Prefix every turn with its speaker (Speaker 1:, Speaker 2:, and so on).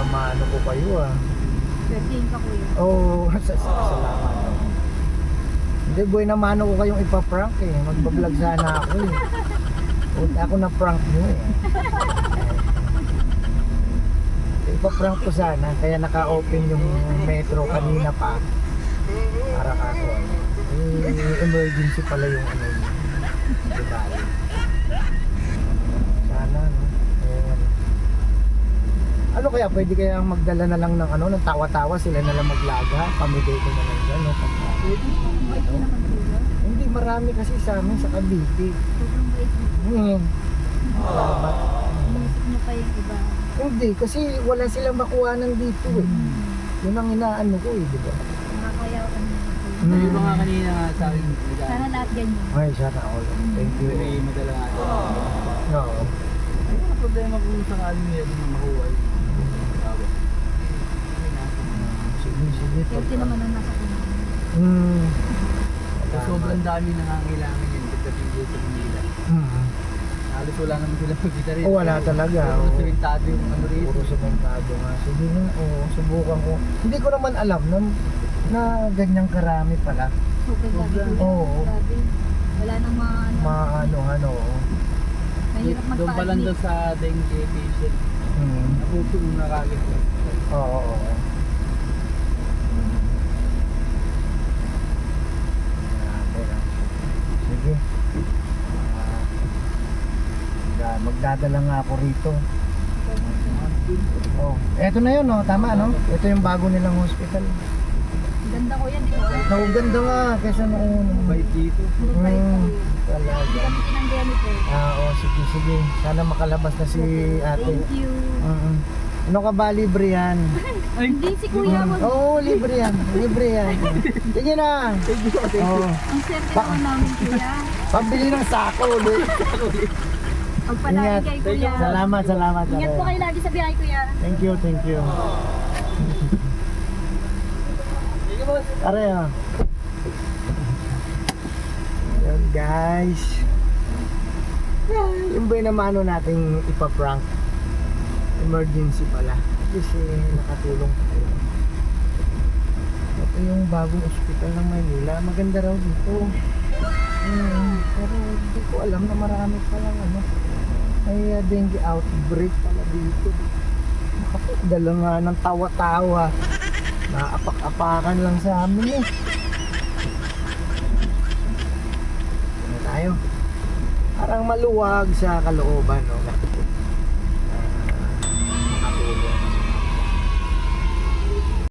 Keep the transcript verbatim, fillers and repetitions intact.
Speaker 1: namano ko kayo ah.
Speaker 2: Birthday ka kuya.
Speaker 1: Oo, oh, salamat. Hindi, boy, namano ko kayong ipaprank eh. Magbablog sana ako eh. Huwag ako na prank nyo eh. Ipaprank ko sana, kaya naka-open yung metro kanina pa. Para kako ano. Eh, emergency pala yung ano yun. Diba? Sana no. Ayan. Ano kaya, pwede kaya magdala na lang ng ano, ng tawa-tawa, sila na lang maglaga, pamigay ko na lang dyan, no? Pagka,
Speaker 2: Bait mo naman kuya.
Speaker 1: hindi, marami kasi sa amin sa Cavite.
Speaker 2: Sobrang bait mo.
Speaker 1: Hmm. Salamat.
Speaker 2: Inisip mo pa yung iba.
Speaker 1: Hindi, kasi wala silang makuhanan dito eh. Yun ang inaano ko eh, di ba?
Speaker 2: Nakakayaw ka naman kuya.
Speaker 1: Hmm.
Speaker 3: Sabi mo nga kanina nga sa akin,
Speaker 2: Sana lahat ganyan.
Speaker 1: Ay, sana all. Thank you.
Speaker 3: may madala nga ito.
Speaker 1: Oo.
Speaker 3: Ay, wala problema kung sakaling nila din makuha. Tawag.
Speaker 1: Sige, sige.
Speaker 2: Healthy naman ang nasa kumain.
Speaker 1: Hmm.
Speaker 3: So, sobrang dami nangangailangan yun pagdating dito sa Manila.
Speaker 1: Hmm.
Speaker 3: Halos wala naman sila magkita rin.
Speaker 1: Oh, wala talaga.
Speaker 3: Puro
Speaker 1: Oo.
Speaker 3: simentado yung ano rin.
Speaker 1: Puro sementado nga. Sige nga, oo, subukan ko. Hindi ko naman alam na, na ganyang karami pala.
Speaker 2: Super grabe kuya.
Speaker 1: Oo.
Speaker 2: Grabe. Wala nang mga ano.
Speaker 1: Maano, ano.
Speaker 2: Mahirap
Speaker 3: Doon pa lang daw
Speaker 2: magpa-admit.
Speaker 3: sa dengue patient.
Speaker 1: Hmm.
Speaker 3: Naputo yung nakagit.
Speaker 1: Oo, oo, oo. Grabe, ah. Sige. Ah, magdadala nga ako rito. Oh, eto na yun, no? Tama, no? Ito yung bago nilang hospital.
Speaker 2: Ganda kuya, di ba?
Speaker 1: No, ganda nga kaysa noon.
Speaker 3: Bait dito.
Speaker 2: Mabait ka
Speaker 1: Hmm,
Speaker 2: kuya. Hindi
Speaker 1: talaga.
Speaker 2: kami tinanggihan ito.
Speaker 1: Ah, oh, sige, sige. Sana makalabas na si ate.
Speaker 2: Thank you.
Speaker 1: Mm-mm. Ano ka ba, libre yan?
Speaker 2: Hindi si kuya mo.
Speaker 1: Oo, oh, libre yan. Libre yan. Sige na. Oh,
Speaker 2: Ang swerte naman namin kuya.
Speaker 1: pambili ng sako ulit.
Speaker 2: Pagpalain
Speaker 1: Ingat.
Speaker 2: kay kuya.
Speaker 1: Salamat, salamat.
Speaker 2: Ingat po kayo lagi sa biyahe kuya.
Speaker 1: Thank you, thank you. Are ah. Yan guys. Yung ba yung namano nating ipaprank? Emergency pala. Kasi nakatulong tayo. Ito yung bagong ospital ng Maynila. Maganda raw dito. Hmm, pero hindi ko alam na marami palang ano. May uh, dengue outbreak pala dito. Dala nga ng tawa-tawa. Naapak-apakan lang sa amin eh. Ano tayo? Parang maluwag sa kalooban, no?